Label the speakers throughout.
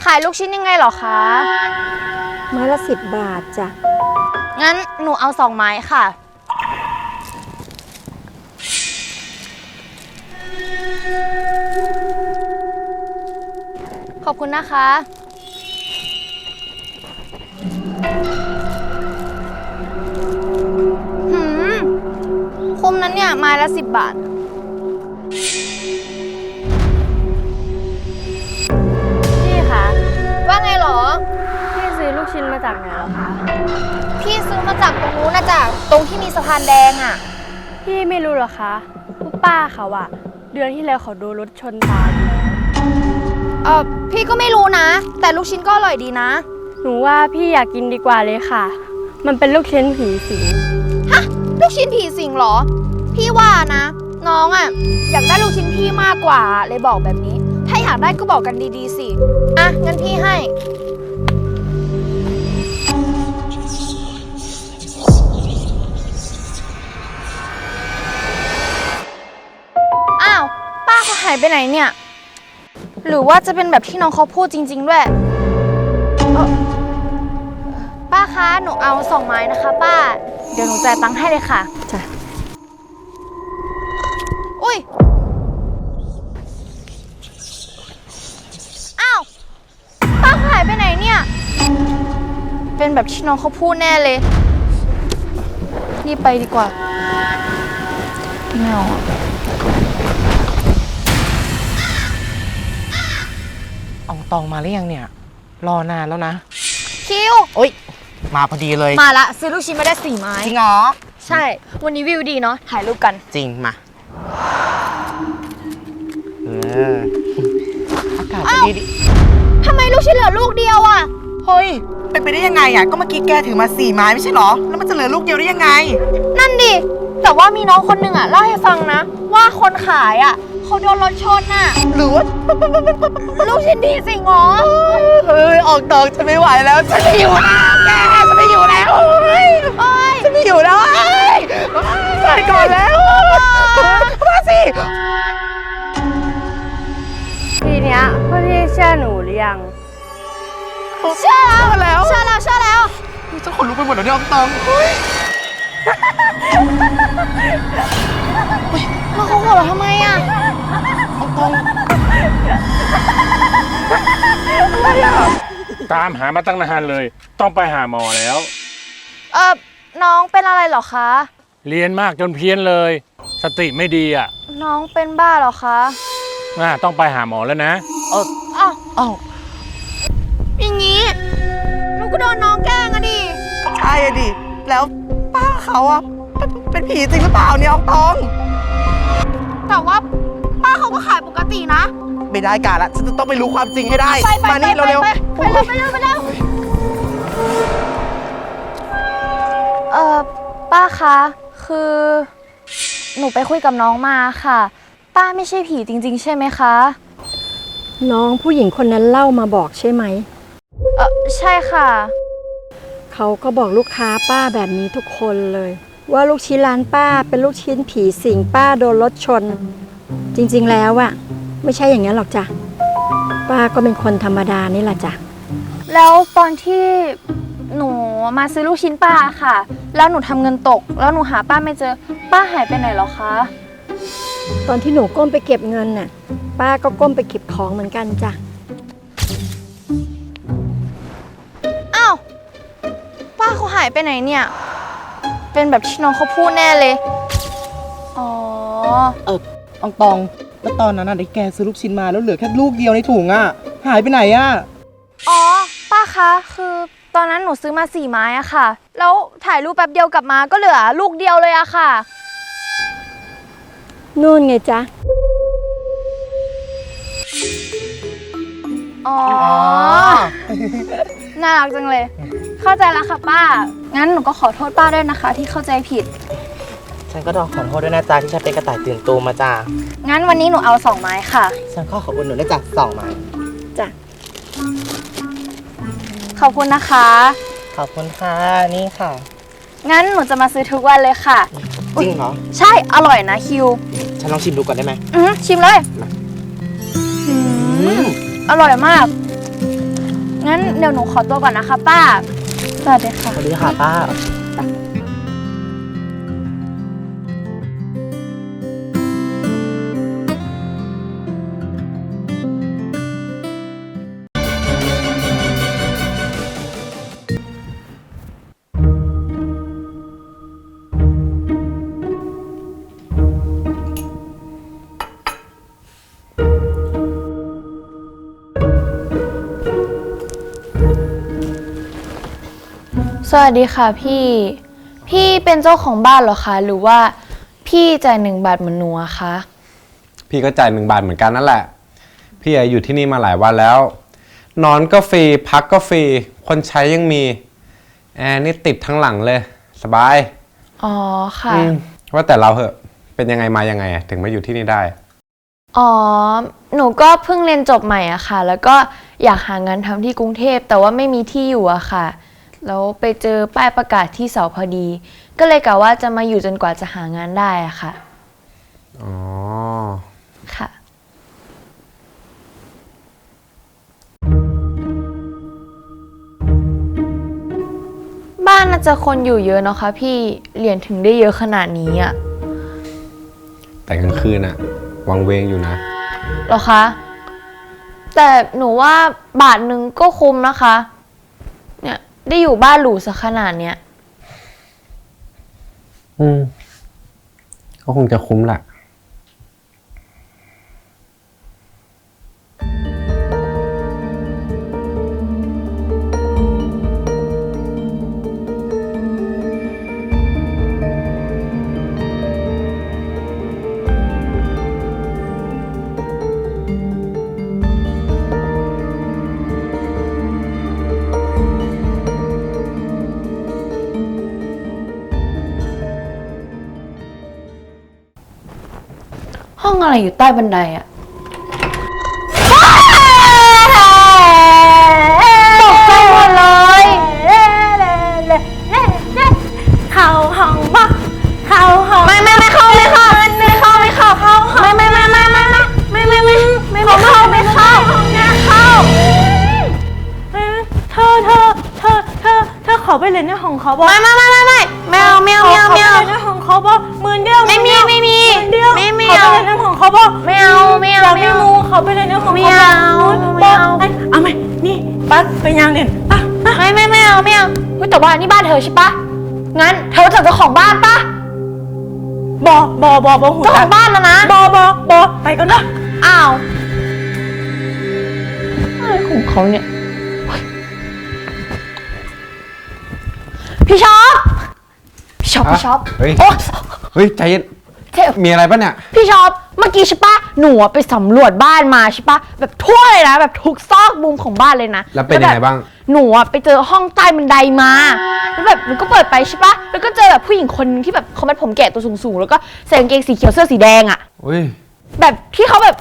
Speaker 1: ายลูกชิ้นยังไงเหรอคะ
Speaker 2: ไม้ละ10 บาทจ้ะ
Speaker 1: งั้นหนูเอา2 ไม้ค่ะ ขอบคุณนะคะคุ้มนั้นเนี่ยไม้ละ10 บาท
Speaker 3: พี่คะ
Speaker 1: ว่าไงเหรอ
Speaker 3: พี่ซื้อลูกชิ้นมาจากไหนเหรอคะ
Speaker 1: พี่ซื้อมาจากตรงนู้นนะจ๊ะตรงที่มีสะพานแดงอ่ะ
Speaker 3: พี่ไม่รู้เหรอคะผู้ป้าเขาอะเดือนที่แล้วเขาโดนรถชนตายอยู่แล้ว
Speaker 1: พี่ก็ไม่รู้นะ แต่ลูกชิ้นก็อร่อยดีนะ
Speaker 3: หนูว่าพี่อยากกินดีกว่าเลยค่ะ มันเป็นลูกชิ้นผีสิง
Speaker 1: ฮะ ลูกชิ้นผีสิงเหรอ พี่ว่านะ น้องอ่ะอยากได้ลูกชิ้นพี่มากกว่าเลยบอกแบบนี้ ถ้าอยากได้ก็บอกกันดีๆสิอ่ะงั้นพี่ให้อ้าวป้าเขาหายไปไหนเนี่ย หรือว่าจะเป็นแบบที่น้องเขาพูดจริงๆด้วยป้าคะหนูเอา2 ไม้นะคะป้าเดี๋ยวหนูจ่ายตังค์ให้เลยค่ะ
Speaker 2: จ้ะ
Speaker 1: อุ้ย อ้าว ป้าหายไปไหนเนี่ย เป็นแบบที่น้องเขาพูดแน่เลย รีบไปดีกว่าไม่เอาอะ
Speaker 4: อองตองมาหรือยังเนี่ย รอนานแล้วนะ
Speaker 1: คิว
Speaker 4: โอ๊ย มาพอดีเลย
Speaker 1: มาละซื้อลูกชิ้นมาได้4 ไม้
Speaker 4: จริงเหรอ
Speaker 1: ใช่ วันนี้วิวดีเนาะ ถ่ายรูปกัน
Speaker 4: จริง มาอากาศจะดี
Speaker 1: ทำไมลูกชิ้นเหลือลูกเดียวอะ
Speaker 4: เฮ้ย เป็นไปได้ยังไงอ่ะ ก็เมื่อกี้แกถือมา4 ไม้ไม่ใช่เหรอ แล้วมันจะเหลือลูกเดียวได้ยังไง
Speaker 1: นั่นดิ แต่ว่ามีน้องคนหนึ่งอะเล่าให้ฟังนะ ว่าคนขายอะเขาโดนรถชนน่ะ
Speaker 4: หรือว่า
Speaker 1: ลูกชิ้นดีสิงอ๋อ
Speaker 4: เฮ้ย ออกตองฉันไม่ไหวแล้ว ฉันไม่อยู่แล้วแกฉันไม่อยู่แล้วเฮ้ย
Speaker 1: โอ้ย
Speaker 4: ฉันไม่อยู่แล้วเฮ้ยไปก่อนแล้วมาสิ
Speaker 3: ทีเนี้ยพวกพี่เชื่อหนูหรือยัง
Speaker 1: เชื่อแล้วเชื่อแล้วเชื่อแล้ว
Speaker 4: ฉันขนลุกไปหมดแล้วเนี่ยอองตองเฮ้ย
Speaker 1: แล้วเขาหัวเราะทำไมอ่ะ
Speaker 4: อองตอง
Speaker 5: ตามหามาตั้งนานเลย ต้องไปหาหมอแล้ว
Speaker 1: น้องเป็นอะไรเหรอคะ
Speaker 5: เรียนมากจนเพี้ยนเลย สติไม่ดีอ่ะ
Speaker 1: น้องเป็นบ้าเหรอคะ
Speaker 5: ต้องไปหาหมอแล้วนะ
Speaker 1: อ้าว
Speaker 4: อ้าว
Speaker 1: อย่างงี้หนูก็โดนน้องแกล้งอะดิ
Speaker 4: ใช่อะดิ แล้วป้าเขาอะเป็นผีจริงหรือเปล่าเนี่ยอองตอง
Speaker 1: แต่ว่าป้าเขาก็ขายปกตินะ
Speaker 4: ไม่ได้การละฉันจะต้องไปรู้ความจริงให้ได้
Speaker 1: ไป
Speaker 4: มานี่เร็ว
Speaker 1: ไปเร็วไปเร็วไปเร็วป้าคะ คือหนูไปคุยกับน้องมาค่ะ ป้าไม่ใช่ผีจริงๆ ใช่ไหมคะ
Speaker 2: น้องผู้หญิงคนนั้นเล่ามาบอกใช่ไหม
Speaker 1: ใช่ค่ะ
Speaker 2: เขาก็บอกลูกค้าป้าแบบนี้ทุกคนเลย ว่าลูกชิ้นร้านป้าเป็นลูกชิ้นผีสิงป้าโดนรถชน จริงๆแล้วอะไม่ใช่อย่างนั้นหรอกจ้ะป้าก็เป็นคนธรรมดานี่แหละจ้ะ
Speaker 1: แล้วตอนที่หนูมาซื้อลูกชิ้นป้าค่ะ แล้วหนูทำเงินตก แล้วหนูหาป้าไม่เจอ ป้าหายไปไหนเหรอคะ
Speaker 2: ตอนที่หนูก้มไปเก็บเงินน่ะป้าก็ก้มไปเก็บของเหมือนกันจ้ะ
Speaker 1: อ้าว ป้าเขาหายไปไหนเนี่ย เป็นแบบที่น้องเขาพูดแน่เลย อ๋อ
Speaker 4: ๆอองตอง แล้วตอนนั้นน่ะได้แกซื้อลูกชิ้นมาแล้วเหลือแค่ลูกเดียวในถุงอะหายไปไหนอะ
Speaker 1: อ๋อ ป้าคะ คือตอนนั้นหนูซื้อมา4 ไม้อะค่ะ แล้วถ่ายรูปแป๊บเดียวกลับมาก็เหลือลูกเดียวเลยอะค่ะ
Speaker 2: นู่นไงจ๊ะ
Speaker 1: อ๋อ น่ารักจังเลย เข้าใจแล้วค่ะป้า งั้นหนูก็ขอโทษป้าด้วยนะคะ ที่เข้าใจผิด
Speaker 4: ฉันก็ต้องขอโทษด้วยนะจ๊ะที่ฉันเป็นกระต่ายตื่นตูมมาจ้า
Speaker 1: งั้นวันนี้หนูเอา2 ไม้ค่ะ
Speaker 4: ฉันขอขอบคุณหนูด้วยจ้ะ2 ไม้
Speaker 2: จ้ะ
Speaker 1: ขอบคุณนะคะ
Speaker 4: ขอบคุณค่ะ นี่ค่ะ
Speaker 1: งั้นหนูจะมาซื้อทุกวันเลยค่ะ
Speaker 4: จริงเหรอ
Speaker 1: ใช่ อร่อยนะคิว
Speaker 4: ฉันลองชิมดูก่อนได้ไหม
Speaker 1: ชิมเลย
Speaker 4: มา
Speaker 1: อร่อยมาก
Speaker 3: งั้นเดี๋ยวหนูขอตัวก่อนนะคะป้า สวัสดีค่ะ
Speaker 4: สวัสดีค่ะป้า
Speaker 1: สวัสดีค่ะพี่ พี่เป็นเจ้าของบ้านเหรอคะหรือว่าพี่จ่าย1 บาทเหมือนหนูอะคะ
Speaker 6: พี่ก็จ่าย1 บาทเหมือนกันนั่นแหละ พี่อยู่ที่นี่มาหลายวันแล้ว นอนก็ฟรี พักก็ฟรี คนใช้ยังมี แอร์นี่ติดทั้งหลังเลย สบาย
Speaker 1: อ๋อค่ะ
Speaker 6: ว่าแต่เราเหอะ เป็นยังไงมายังไงถึงมาอยู่ที่นี่ได้
Speaker 1: อ๋อ หนูก็เพิ่งเรียนจบใหม่อะค่ะ แล้วก็อยากหางานทำที่กรุงเทพแต่ว่าไม่มีที่อยู่อะค่ะ แล้วไปเจอป้ายประกาศที่เสาพอดี ก็เลยกะว่าจะมาอยู่จนกว่าจะหางานได้อะค่ะ
Speaker 6: อ๋อ
Speaker 1: ค่ะ บ้านน่าจะคนอยู่เยอะเนาะคะพี่เรียนถึงได้เยอะขนาดนี้อะ
Speaker 6: แต่กลางคืนอะวังเวงอยู่นะ
Speaker 1: เหรอคะ แต่หนูว่า1 บาทก็คุ้มนะคะ เนี่ยได้อยู่บ้านหรูสักขนาดเนี้ย
Speaker 6: ก็คงจะคุ้มแหละ
Speaker 1: ห้องอะไรอยู่ใต้บันไดอะตกใจหมดเลย
Speaker 3: เข้าห้องบ่เข้าห้อง
Speaker 1: ไม่เข้าไม่เข้าไม่เข้าไม่เข้าไม่เข้า
Speaker 3: เธอขอไปเล่นในห้องเขาบ่
Speaker 1: ไม่เอา
Speaker 3: ขอไปเล่นในห้องเขาบ่10,000เดียว
Speaker 1: ไม่มี
Speaker 3: ขอไปเล่นในห้องเขาบ่
Speaker 1: ไม่เอา
Speaker 3: อยากมีมูขอไปเล่นในห้องเขาบ่เอาไหมนี่ปั๊บไปยางเด่นป่ะ
Speaker 1: ไม่เอาเฮ้ยแต่ว่านี่บ้านเธอใช่ปะงั้นเธอรู้จักเจ้าของบ้านปะ
Speaker 3: บ่หู
Speaker 1: เจ้าของบ้านนะ
Speaker 3: บ่ไปก่อนนะ
Speaker 1: อ้าวอะไรของเขาเนี่ยพี่ช็อป
Speaker 6: เฮ้ย
Speaker 1: โอ๊ย
Speaker 6: เฮ้ย ใจเย็น มีอะไรปะเนี่ย
Speaker 1: พี่ช็อปเมื่อกี้ใช่ปะหนูอะไปสำรวจบ้านมาใช่ปะแบบทั่วเลยนะแบบทุกซอกมุมของบ้านเลยนะ
Speaker 6: แล้วเป็นยังไงบ้าง
Speaker 1: หนูอะไปเจอห้องใต้บันไดมาแล้วแบบหนูก็เปิดไปใช่ปะแล้วก็เจอแบบผู้หญิงคนนึงที่แบบเขามัดผมแกะตัวสูงๆแล้วก็ใส่กางเกงสีเขียวเสื้อสีแดงอะ
Speaker 6: อุ้ย
Speaker 1: แบบที่เขาแบบ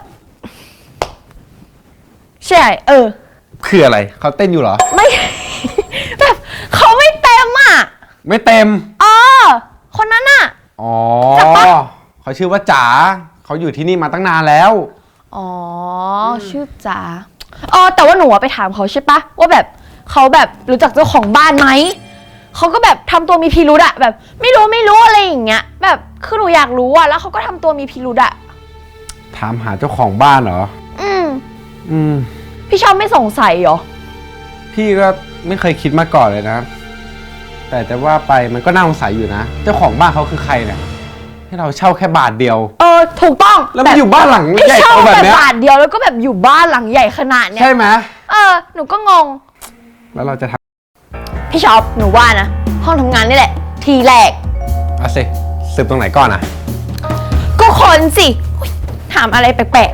Speaker 1: ใช่
Speaker 6: คืออะไร เขาเต้นอยู่เหรอ
Speaker 1: ไม่ แบบเขาไม่เต็มอะ
Speaker 6: ไม่เต็ม
Speaker 1: คนนั้นอะ
Speaker 6: อ๋อ
Speaker 1: จับปะ
Speaker 6: เขาชื่อว่าจ๋า เขาอยู่ที่นี่มาตั้งนานแล้ว
Speaker 1: อ๋อชื่อจ๋าแต่ว่าหนูอะไปถามเขาใช่ปะว่าแบบเขาแบบรู้จักเจ้าของบ้านไหมเขาก็แบบทำตัวมีพิรุธอะแบบไม่รู้อะไรอย่างเงี้ยแบบคือหนูอยากรู้อะแล้วเขาก็ทำตัวมีพิรุธอะ
Speaker 6: ถามหาเจ้าของบ้านเหรอ
Speaker 1: อืม
Speaker 6: ม
Speaker 1: พี่ชอบไม่สงสัยเหรอ
Speaker 6: พี่ก็ไม่เคยคิดมาก่อนเลยนะ แต่จะว่าไปมันก็น่าสงสัยอยู่นะ เจ้าของบ้านเขาคือใครเนี่ย ให้เราเช่าแค่1 บาทเดียว
Speaker 1: ถูกต้อง
Speaker 6: แล้วมาอยู่บ้านหลัง
Speaker 1: ไม่
Speaker 6: ใหญ่
Speaker 1: เช่า
Speaker 6: โตแบบ
Speaker 1: แต่
Speaker 6: เนี้ย
Speaker 1: บาทเดียวแล้วก็แบบอยู่บ้านหลังใหญ่ขนาดเนี้ย
Speaker 6: ใช่ไหม
Speaker 1: หนูก็งง
Speaker 6: แล้วเราจะท
Speaker 1: พี่ชอบหนูว่านะห้องทำงานนี่แหละ ทีแรก
Speaker 6: ำเอาสิสืบตรงไหนก่อนอ่ะ
Speaker 1: ก็คนสิอุ๊ยถามอะไรแปลก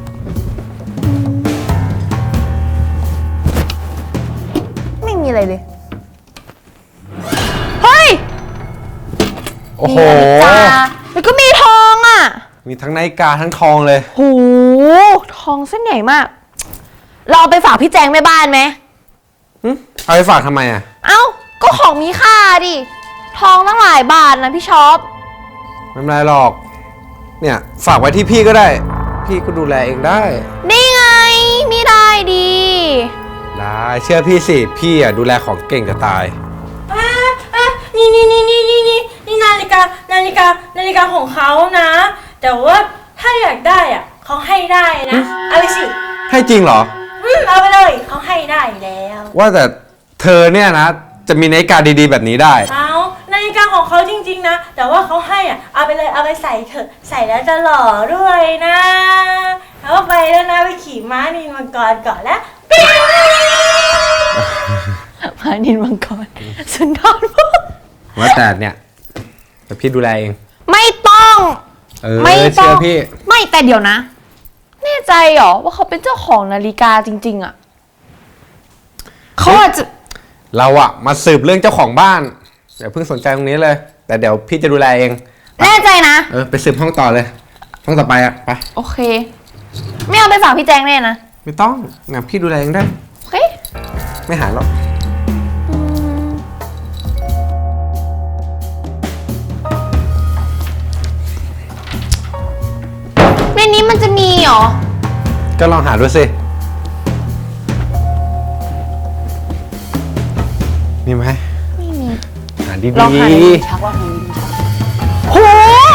Speaker 1: ๆไม่มีอะไรเลยเฮ้ย
Speaker 6: โอ้โห
Speaker 1: มีนาฬิกาแล้วก็มีทองอ่ะ
Speaker 6: มีทั้งนาฬิกาทั้งทองเลย
Speaker 1: หูทองเส้นใหญ่มาก เราเอาไปฝากพี่แจงแม่บ้านไหม
Speaker 6: เอาไปฝากทำไมอ่ะ
Speaker 1: เอ้า ก็ของมีค่าดิ ทองตั้งหลายบาทนะพี่ช็อป
Speaker 6: ไม่เป็นไรหรอก เนี่ยฝากไว้ที่พี่ก็ได้ พี่ก็ดูแลเองได้
Speaker 1: นี่ไง มีได้ดี
Speaker 6: ได้เชื่อพี่สิ พี่อ่ะดูแลของเก่งจะตาย
Speaker 7: นี่นาฬิกาของเขานะ แต่ว่าถ้าอยากได้อ่ะเขาให้ได้นะเอาไปสิ
Speaker 6: ให้จริงเหรอ
Speaker 7: เอาไปเลยเขาให้ได้แล้ว
Speaker 6: ว่าแต่เธอเนี่ยนะ จะมีนาฬิกาดีๆแบบนี้ได้
Speaker 7: เอานาฬิกาของเขาจริงๆนะแต่ว่าเขาให้อ่ะเอาไปเลยเอาไปใส่เถอะใส่แล้วจะหล่อด้วยนะแล้วไปแล้วนะไปขี่ม้านินมังกรก่อนแล้ว
Speaker 1: มานินมังกรสุนทรภู่
Speaker 6: ว่าแต่เนี่ยแต่พี่ดูแลเอง
Speaker 1: ไม่ต้อง
Speaker 6: ไม่เชื่อพี่
Speaker 1: ไม่แต่เดี๋ยวนะ แน่ใจเหรอว่าเขาเป็นเจ้าของนาฬิกาจริง ๆอะเขาอาจจะ
Speaker 6: เราอะมาสืบเรื่องเจ้าของบ้านเดี๋ยวเพิ่งสนใจตรงนี้เลย แต่เดี๋ยวพี่จะดูแลเอง
Speaker 1: แน่ใจนะ
Speaker 6: ไปสืบห้องต่อเลย ห้องต่อไปอะไป
Speaker 1: โอเค ไม่เอาไปฝากพี่แจงแน่นะ
Speaker 6: ไม่ต้องงั้นพี่ดูแลเองได้
Speaker 1: โอเค
Speaker 6: ไม่หายหรอก
Speaker 1: ในนี้มันจะมีเหรอ
Speaker 6: ก็ลองหาดูสิมีไหม
Speaker 1: ไม่มี
Speaker 6: หาดี
Speaker 1: ลองหาในลิ้นชักว่าของลิ้นชักโห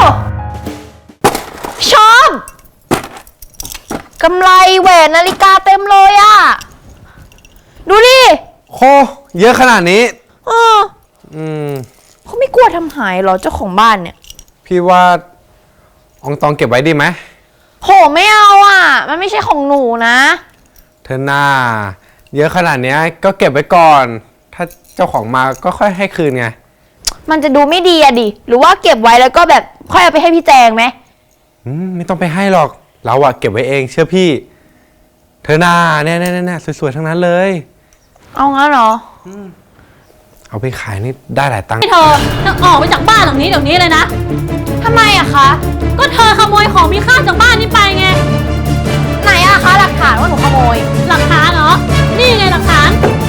Speaker 1: ชอบกำไรแหวนนาฬิกาเต็มเลยอะดูดิ
Speaker 6: โคเยอะขนาดนี้
Speaker 1: เออ เขาไม่กลัวทำหายเหรอเจ้าของบ้านเนี่ย
Speaker 6: พี่ว่าอองตองเก็บไว้ดีไหม
Speaker 1: โหไม่เอาอ่ะ มันไม่ใช่ของหนูนะ
Speaker 6: เธอหน้า เยอะขนาดเนี้ยก็เก็บไว้ก่อน ถ้าเจ้าของมาก็ค่อยให้คืนไง
Speaker 1: มันจะดูไม่ดีอะดิ หรือว่าเก็บไว้แล้วก็แบบค่อยเอาไปให้พี่แจงไหม
Speaker 6: ไม่ต้องไปให้หรอก เราอะเก็บไว้เองเชื่อพี่ เธอหน้าเนี่ยสวยๆทั้งนั้นเลย
Speaker 1: เอางั้นเหรอ
Speaker 6: เอาไปขายนี่ได้หลายตังค์
Speaker 8: เธอต้องออกไปจากบ้านหลังนี้เดี๋ยวนี้เลยนะ
Speaker 1: ทำไมอะคะ
Speaker 8: ก็เธอขโมยของมีค่าจากบ้านนี้ไปไง
Speaker 1: ไหนอะคะหลักฐานว่าหนูขโมย
Speaker 8: หลักฐานเหรอ นี่ไงหลักฐาน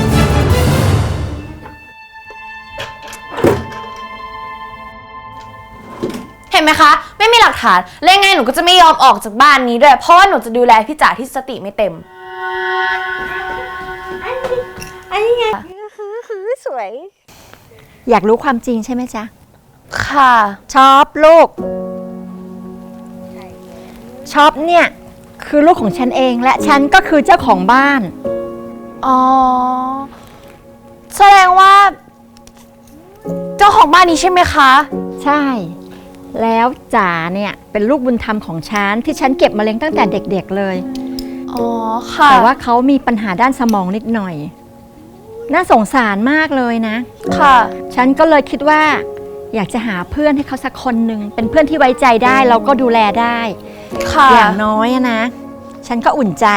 Speaker 1: เห็นไหมคะ ไม่มีหลักฐานแล้วยังไงหนูก็จะไม่ยอมออกจากบ้านนี้ด้วย เพราะว่าหนูจะดูแลพี่จ๋าที่สติไม่เต็ม
Speaker 7: อันนี้ไง
Speaker 2: สวย อยากรู้ความจริงใช่ไหมจ๊ะ
Speaker 1: ค่ะ
Speaker 2: ชอบลูกชอบเนี่ยคือลูกของฉันเองและฉันก็คือเจ้าของบ้าน
Speaker 1: อ๋อ แสดงว่า เจ้าของบ้านนี้ใช่ไหมคะ
Speaker 2: ใช่ แล้วจ๋าเนี่ยเป็นลูกบุญธรรมของฉันที่ฉันเก็บมาเลี้ยงตั้งแต่เด็กๆเลย
Speaker 1: อ๋อ ค่ะ
Speaker 2: แต่ว่าเขามีปัญหาด้านสมองนิดหน่อย น่าสงสารมากเลยนะ
Speaker 1: ค่ะ
Speaker 2: ฉันก็เลยคิดว่า อยากจะหาเพื่อนให้เขาสักคนหนึ่งเป็นเพื่อนที่ไว้ใจได้เราก็ดูแลได้
Speaker 1: ค่ะ
Speaker 2: อย่างน้อยอะนะ ฉันก็อุ่นใจ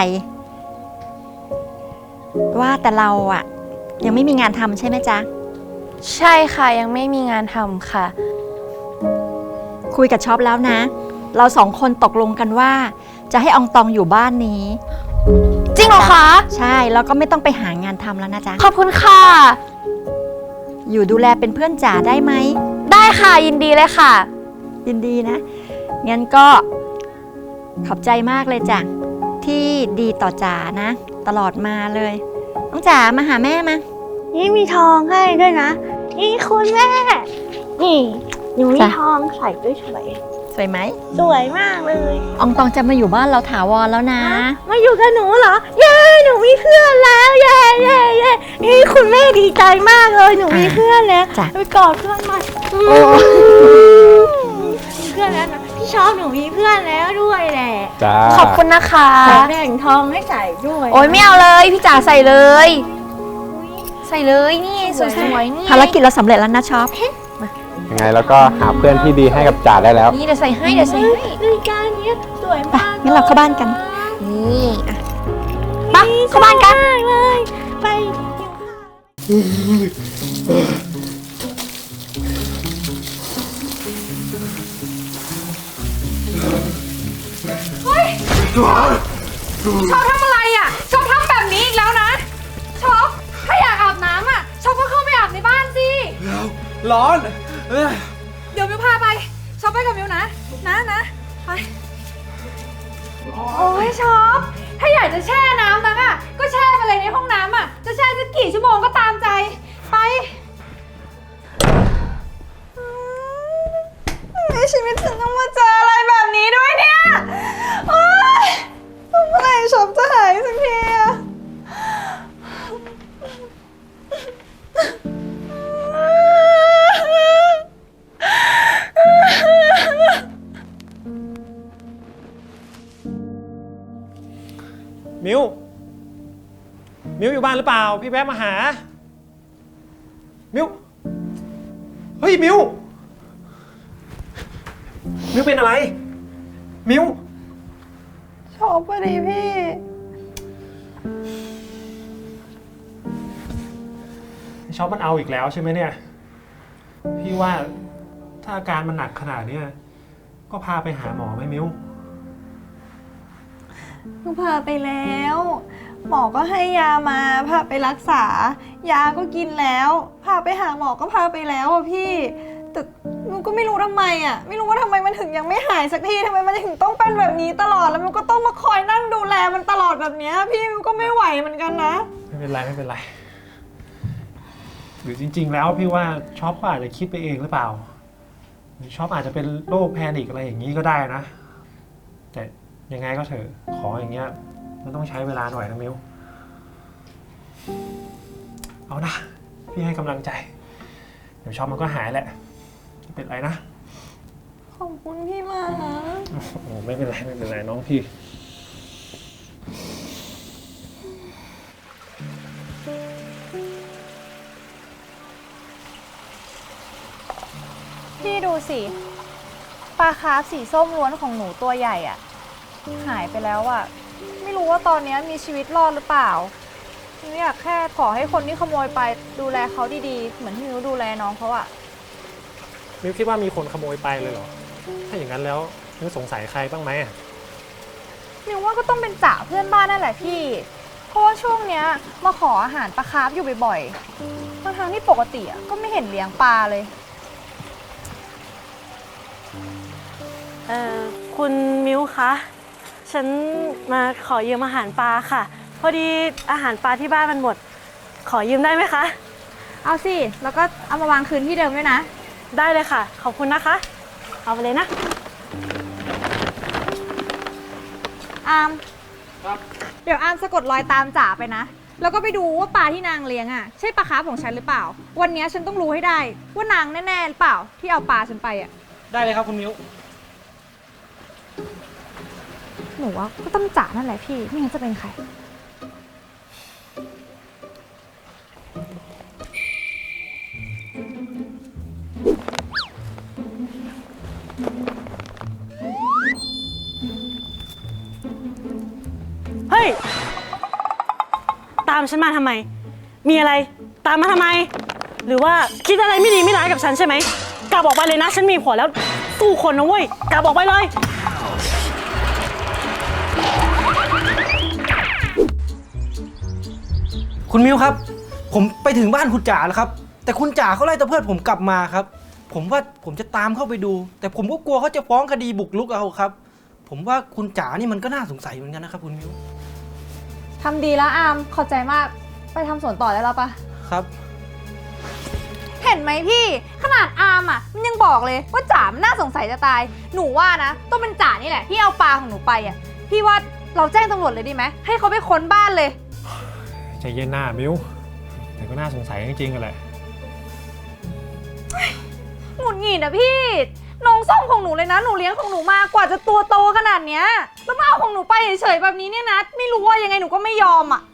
Speaker 2: ว่าแต่เราอะยังไม่มีงานทำใช่ไหมจ๊ะ
Speaker 1: ใช่ค่ะยังไม่มีงานทำค่ะ
Speaker 2: คุยกับช็อปแล้วนะ เราสองคนตกลงกันว่า จะให้อองตองอยู่บ้านนี้
Speaker 1: จริงเหรอคะ
Speaker 2: ใช่แล้วก็ไม่ต้องไปหางานทำแล้วนะจ๊ะ
Speaker 1: ขอบคุณค่ะ
Speaker 2: อยู่ดูแลเป็นเพื่อนจ๋าได้ไหม
Speaker 1: ได้ค่ะยินดีเลยค่ะ
Speaker 2: ยินดีนะ งั้นก็ขอบใจมากเลยจ้ะที่ดีต่อจ๋านะ ตลอดมาเลยน้องจ๋ามาหาแม่มา
Speaker 3: นี่มีทองให้ด้วยนะ นี่คุณแม่ นี่หนูมี
Speaker 2: จ้ะ
Speaker 3: ทองใส่ด้วยสวย
Speaker 2: สวยไหม
Speaker 3: สวยมากเลย
Speaker 2: อองตองจะมาอยู่บ้านเราถาวรแล้วนะ
Speaker 3: มาอยู่กับหนูเหรอ เย้ หนูมีเพื่อนแล้ว เย้เย้เย้นี่คุณแม่ดีใจมากเลย หนูมีเพื่อนแล้ว
Speaker 2: จ้ะ
Speaker 3: ไปกอดเพื่อนหน่อยมีเพื่อนแล้วนะพี่ชอบหนูมีเพื่อนแล้วด้วยแหละ
Speaker 6: จ้า
Speaker 1: ขอบคุณนะคะ
Speaker 3: แบ่งทองให้ใส่ด้วย
Speaker 1: โอ้ยไม่เอาเลย พี่จ๋าใส่เลย ใส่เลยนี่สวยๆนี่
Speaker 2: ภารกิจเราสำเร็จแล้วนะช็อป
Speaker 6: ยังไงแล้วก็หาเพื่อนที่ดีให้กับจ่าได้แล้ว
Speaker 1: นี่เดี๋ยวใส่ให้เดี๋ยวใส่ให้
Speaker 3: นาฬิกาเนี้ยสวย
Speaker 2: ไป
Speaker 3: มาก
Speaker 2: งั้นเราเข้าบ้านกัน
Speaker 1: นี่อ่ะไปเข้าบ้านกัน
Speaker 3: มากเลยไปหิวข้าว
Speaker 9: ชอบทำอะไรอ่ะชอบทำแบบนี้อีกแล้วนะชอบถ้าอยากอาบน้ำอ่ะชอบก็เข้าไปอาบในบ้านสิ
Speaker 4: ร้อน
Speaker 9: เดี๋ยวมิวพาไปชอบไปกับมิวนะไปโอ้ยชอบถ้าอยากจะแช่น้ำนักอ่ะก็แช่ไปเลยในห้องน้ำอ่ะจะแช่
Speaker 5: มิวอยู่บ้านหรือเปล่า พี่แวะมาหา มิวเฮ้ย มิวเป็นอะไร มิว
Speaker 1: ชอบพอดีพี่
Speaker 5: ชอบมันเอาอีกแล้วใช่ไหมเนี่ย พี่ว่าถ้าอาการมันหนักขนาดเนี้ยก็พาไปหาหมอไหมมิว
Speaker 3: ก็พาไปแล้ว หมอก็ให้ยามาพาไปรักษา ยาก็กินแล้ว พาไปหาหมอก็พาไปแล้วอะพี่ แต่หนูก็ไม่รู้ทำไมอะไม่รู้ว่าทำไมมันถึงยังไม่หายสักทีทำไมมันถึงต้องเป็นแบบนี้ตลอดแล้วมันก็ต้องมาคอยนั่งดูแลมันตลอดแบบเนี้ยพี่มันก็ไม่ไหวเหมือนกันนะ
Speaker 5: ไม่เป็นไรไม่เป็นไร หรือจริง ๆ แล้วพี่ว่าช็อปก็อาจจะคิดไปเองหรือเปล่าหรือช็อปอาจจะเป็นโรคแพนิคอะไรอย่างนี้ก็ได้นะ แต่ยังไงก็เถอะขออย่างเงี้ยมันต้องใช้เวลาหน่อยนะมิวเอานะพี่ให้กำลังใจ เดี๋ยวช็อปมันก็หายแหละไม่เป็นไรนะ
Speaker 3: ขอบคุณพี่มากนะ
Speaker 5: โอ้ไม่เป็นไรไม่เป็นไรน้องพี่
Speaker 3: พี่ดูสิปลาคาร์ฟสีส้มล้วนของหนูตัวใหญ่อะหายไปแล้วอะไม่รู้ว่าตอนนี้มีชีวิตรอดหรือเปล่าหนูอยากแค่ขอให้คนที่ขโมยไปดูแลเขาดีๆเหมือนที่หนูดูแลน้องเขาอะ
Speaker 5: มิวคิดว่ามีคนขโมยไปเลยเหรอ ถ้าอย่างนั้นแล้วมิวสงสัยใครบ้างไหมอะ
Speaker 3: หนูว่าก็ต้องเป็นจ่าเพื่อนบ้านนั่นแหละพี่ เพราะว่าช่วงเนี้ยมาขออาหารปลาคาร์ฟอยู่บ่อยๆทั้งๆที่ปกติอะก็ไม่เห็นเลี้ยงปลาเลย
Speaker 7: คุณมิวคะ ฉันมาขอยืมอาหารปลาค่ะ พอดีอาหารปลาที่บ้านมันหมด ขอยืมได้ไหมคะ
Speaker 3: เอาสิ แล้วก็เอามาวางคืนที่เดิมด้วยนะ
Speaker 7: ได้เลยค่ะ ขอบคุณนะคะ เอาไปเลยนะ
Speaker 3: อามเดี๋ยวอามสะกดรอยตามจ๋าไปนะ แล้วก็ไปดูว่าปลาที่นางเลี้ยงอ่ะใช่ปลาคาร์ฟของฉันหรือเปล่า วันนี้ฉันต้องรู้ให้ได้ว่านางแน่ๆหรือเปล่าที่เอาปลาฉันไปอ่ะ
Speaker 5: ได้เลยครับคุณมิว
Speaker 3: หนูว่าก็ต้องจ๋านั่นแหละพี่ ไม่งั้นจะเป็นใคร
Speaker 7: เฮ้ย ตามฉันมาทำไม มีอะไร ตามมาทำไม หรือว่าคิดอะไรไม่ดีไม่ร้ายกับฉันใช่ไหม กลับออกไปเลยนะ ฉันมีผัวแล้วสู้คนนะเว้ย กลับออกไปเลย
Speaker 4: คุณมิวครับ ผมไปถึงบ้านคุณจ๋าแล้วครับ แต่คุณจ๋าเขาไล่ตะเพิดผมกลับมาครับ ผมว่าผมจะตามเข้าไปดู แต่ผมก็กลัวเขาจะฟ้องคดีบุกรุกเอาครับ ผมว่าคุณจ๋านี่มันก็น่าสงสัยเหมือนกันนะครับคุณมิว
Speaker 3: ทำดีแล้วอามขอบใจมาก ไปทำสวนต่อได้แล้วปะ
Speaker 4: ครับ
Speaker 3: เห็นไหมพี่ ขนาดอามอ่ะมันยังบอกเลยว่าจ๋ามันน่าสงสัยจะตาย หนูว่านะต้องเป็นจ๋านี่แหละที่เอาปลาของหนูไปอ่ะ พี่ว่าเราแจ้งตำรวจเลยดีไหมให้เขาไปค้นบ้านเลย
Speaker 5: ใจเย็นหน้ามิวแต่ก็น่าสงสัยจริงๆกันแหละ
Speaker 3: หงุดหงิดอะพี่ น้องส้มของหนูเลยนะ หนูเลี้ยงของหนูมากว่าจะตัวโตขนาดเนี้ยแล้วมาเอาของหนูไปเฉยๆแบบนี้เนี่ยนะ ไม่รู้ว่ายังไงหนูก็ไม่ยอมอะ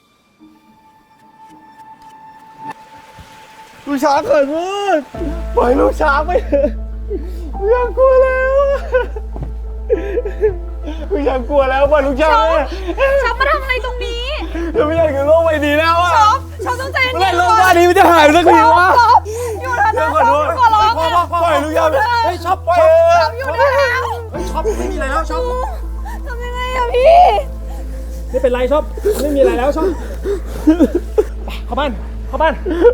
Speaker 4: ลูกช้างเกิดมืดปล่อยลูกช้างไปเถอะลูกช้างกลัวแล้วลูกช้างกลัวแล้วปล่อยลูกช้าง
Speaker 3: ช็อปมาทำอะไรตรงนี้
Speaker 4: เราไม่อยากอยู่โลกใบนี้แล้วอะ
Speaker 3: ช็อปต้องใจเย็นๆ
Speaker 4: เมื่อไหร่โลกใบนี้มันจะหายสักทีวะ
Speaker 3: ช็อปอยู่นะช็อปขอร้องอะ
Speaker 4: ปล่อยลูกช้างเฮ้ยช็อปปล่อย
Speaker 3: ช็อปอยู่นะ
Speaker 4: เฮ้ยช็อปไม่มีอะไรแล้วช็อป
Speaker 3: ทำยังไงอะพี่
Speaker 5: ไม่เป็นไรชอบไม่มีอะไรแล้วชอบไปเข้าบ้านเข้าบ้าน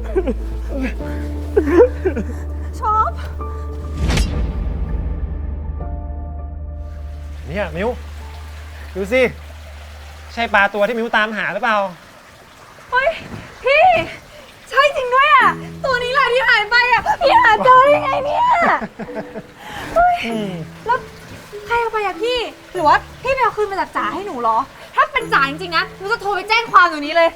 Speaker 3: ช็อป
Speaker 5: เนี่ยมิวดูสิใช่ปลาตัวที่มิวตามหาหรือเปล่า
Speaker 3: เฮ้ยพี่ใช่จริงด้วยอะตัวนี้แหละที่หายไปอะพี่หาเจอได้ยังไงเนี่ยเฮ้ยแล้วใครเอาไปอะพี่หรือว่าพี่ไปเอาคืนมาจากจ๋าให้หนูเหรอ ถ้าเป็นจ๋าจริงๆนะหนูจะโทรไปแจ้งความอยู่นี้เลย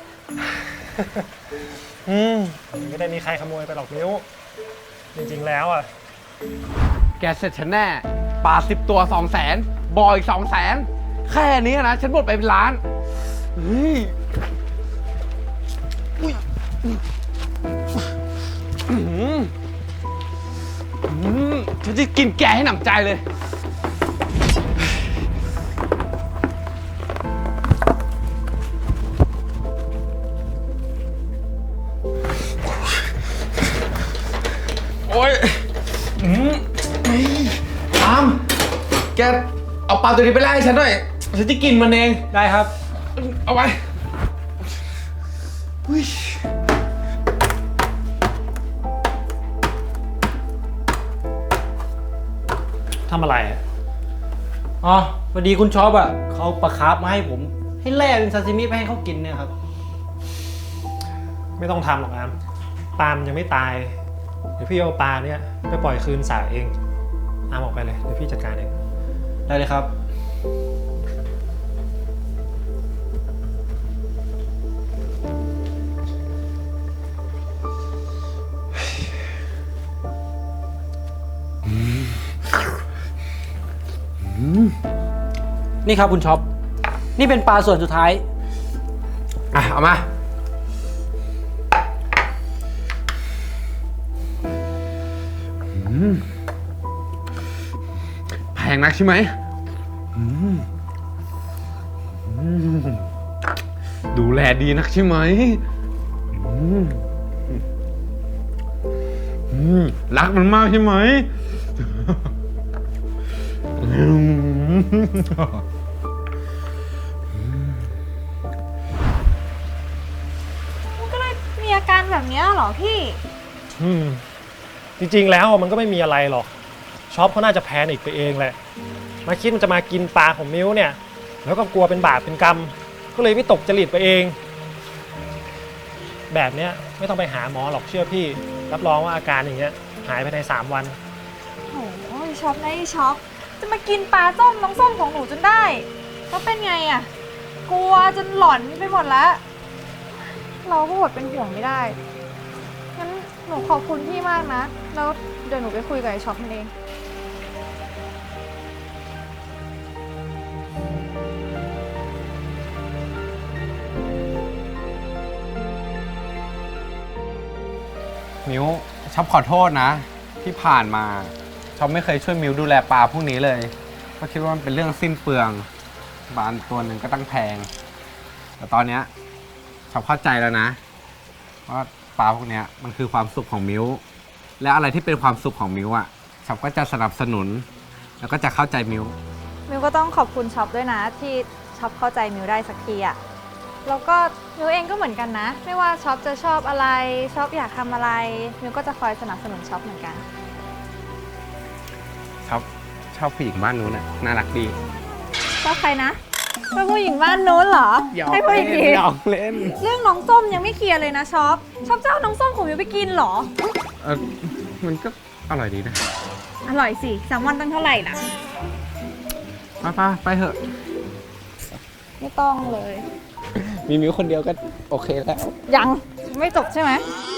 Speaker 5: ไม่ได้มีใครขโมยไปหรอกมิวจริงๆแล้วอ่ะ
Speaker 6: แกเสร็จฉันแน่ปลา10 ตัว 200,000 บอยอีก 200,000 แค่นี้นะ ฉันหมดไปเป็นล้าน เฮ้ยกินแกให้หนำใจเลย โอ๊ยตาม แกเอาปลาตัวนี้ไปไล่ฉันหน่อย ฉันจะกินมันเอง
Speaker 5: ได้ครับ
Speaker 6: เอาไว้อุ๊ย
Speaker 5: ทำอะไรอะ
Speaker 4: อ๋อพอดีคุณช็อปอ่ะเขาเอาปลาคาร์ฟมาให้ผม ให้แล่เป็นซาซิมิไปให้เขากินเนี่ยครับ
Speaker 5: ไม่ต้องทำหรอกอามปลามันยังไม่ตาย เดี๋ยวพี่เอาปลาเนี่ยไปปล่อยคืนสระเองอามออกไปเลย เดี๋ยวพี่จัดการเอง
Speaker 4: ได้เลยครับ นี่ครับคุณช็อป นี่เป็นปลาส่วนสุดท้าย
Speaker 6: อ่ะ เอามา แพงนักใช่ไหมดูแลดีนักใช่ไหมรักมันมากใช่ไหม
Speaker 3: มันก็เลยมีอาการแบบเนี้ยเหรอพี่
Speaker 5: จริงๆแล้วมันก็ไม่มีอะไรหรอกช็อปเขาน่าจะแพนิคไปเองแหละมาคิดมันจะมากินปลาของมิ้วเนี่ย แล้วก็กลัวเป็นบาปเป็นกรรม ก็เลยไม่ตกจริตไปเอง แบบเนี้ยไม่ต้องไปหาหมอหรอกเชื่อพี่ รับรองว่าอาการอย่างเงี้ยหายภายใน3 วัน
Speaker 3: โอ้ยช็อปนะไอ้ช็อปจะมากินปลาส้มน้องส้มของหนูจนได้แล้วเป็นไงอะกลัวจนหลอนไปหมดแล้ว เราก็อดเป็นห่วงไม่ได้งั้นหนูขอบคุณพี่มากนะแล้วเดี๋ยวหนูไปคุยกับไอ้ช็อปมันเอง
Speaker 6: มิวชอบขอโทษนะ ที่ผ่านมาชอบไม่เคยช่วยมิวดูแลปลาพวกนี้เลยก็คิดว่ามันเป็นเรื่องสิ้นเปลืองบานตัวหนึ่งก็ตั้งแพง แต่ตอนเนี้ยชอบเข้าใจแล้วนะว่าปลาพวกเนี้ยมันคือความสุขของมิวและอะไรที่เป็นความสุขของมิวอ่ะชอบก็จะสนับสนุน แล้วก็จะเข้าใจมิว
Speaker 3: มิวก็ต้องขอบคุณช็อปด้วยนะที่ช็อปเข้าใจมิวได้สักทีอะแล้วก็มิวเองก็เหมือนกันนะ ไม่ว่าช็อปจะชอบอะไรช็อปอยากทำอะไรมิวก็จะคอยสนับสนุนช็อปเหมือนกัน
Speaker 6: ชอบผู้หญิงบ้านนู้นน่ะน่ารักดี
Speaker 3: ชอบใครนะชอบผู้หญิงบ้านนู้นเหรอให้ผู้หญิงอีก
Speaker 6: หยอกเล่น
Speaker 3: เรื่องน้องส้มยังไม่เคลียร์เลยนะช็อปเจ้าน้องส้มของมิวไปกินเหรอ
Speaker 6: มันก็อร่อยดีนะ
Speaker 3: อร่อยสิแซลมอนตั้งเท่าไหร่ล่ะ
Speaker 6: ไปเถอะ
Speaker 3: ไม่ต้องเลย
Speaker 6: มีมิวคนเดียวก็โอเคแล้ว
Speaker 3: ยังไม่จบใช่ไหม
Speaker 6: ไ